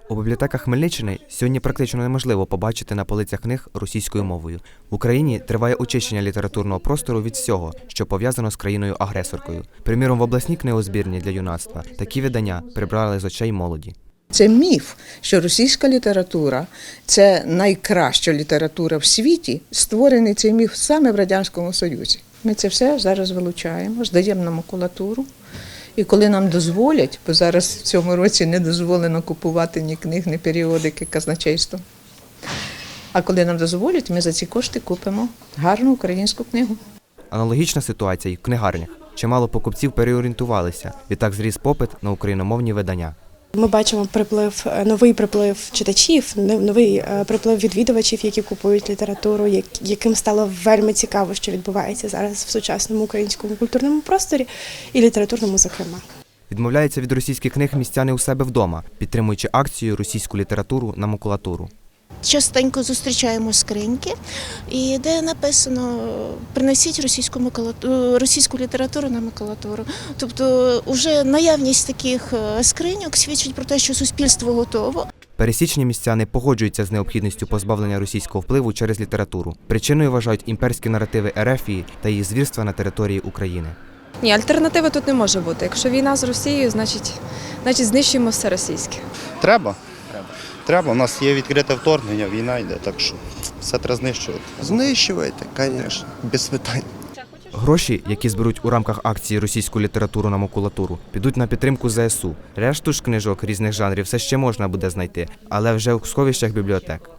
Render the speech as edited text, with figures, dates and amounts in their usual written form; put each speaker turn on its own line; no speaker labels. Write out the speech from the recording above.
У бібліотеках Хмельниччини сьогодні практично неможливо побачити на полицях книг російською мовою. В Україні триває очищення літературного простору від всього, що пов'язано з країною-агресоркою. Приміром, в обласній книгозбірні для юнацтва такі видання прибрали з очей молоді.
Це міф, що російська література – це найкраща література в світі. Створений цей міф саме в Радянському Союзі. Ми це все зараз вилучаємо, здаємо на макулатуру. І коли нам дозволять, бо зараз в цьому році не дозволено купувати ні книг, ні періодики казначейством. А коли нам дозволять, ми за ці кошти купимо гарну українську книгу.
Аналогічна ситуація і в книгарнях. Чимало покупців переорієнтувалися, відтак зріс попит на україномовні видання.
Ми бачимо новий приплив читачів, новий приплив відвідувачів, які купують літературу, яким стало вельми цікаво, що відбувається зараз в сучасному українському культурному просторі і літературному, зокрема.
Відмовляються від російських книг містяни у себе вдома, підтримуючи акцію «Російську літературу на макулатуру».
Частенько зустрічаємо скриньки, і де написано «принесіть російську літературу на макулатуру». Тобто вже наявність таких скриньок свідчить про те, що суспільство готово.
Пересічні містяни погоджуються з необхідністю позбавлення російського впливу через літературу. Причиною вважають імперські наративи Ерефії та її звірства на території України.
Ні, альтернативи тут не може бути. Якщо війна з Росією, значить знищуємо все російське.
Треба. У нас є відкрите вторгнення, війна йде, так що все треба знищувати.
Знищувати, звісно, без питань.
Гроші, які зберуть у рамках акції «Російську літературу на макулатуру», підуть на підтримку ЗСУ. Решту ж книжок різних жанрів все ще можна буде знайти, але вже у сховищах бібліотек.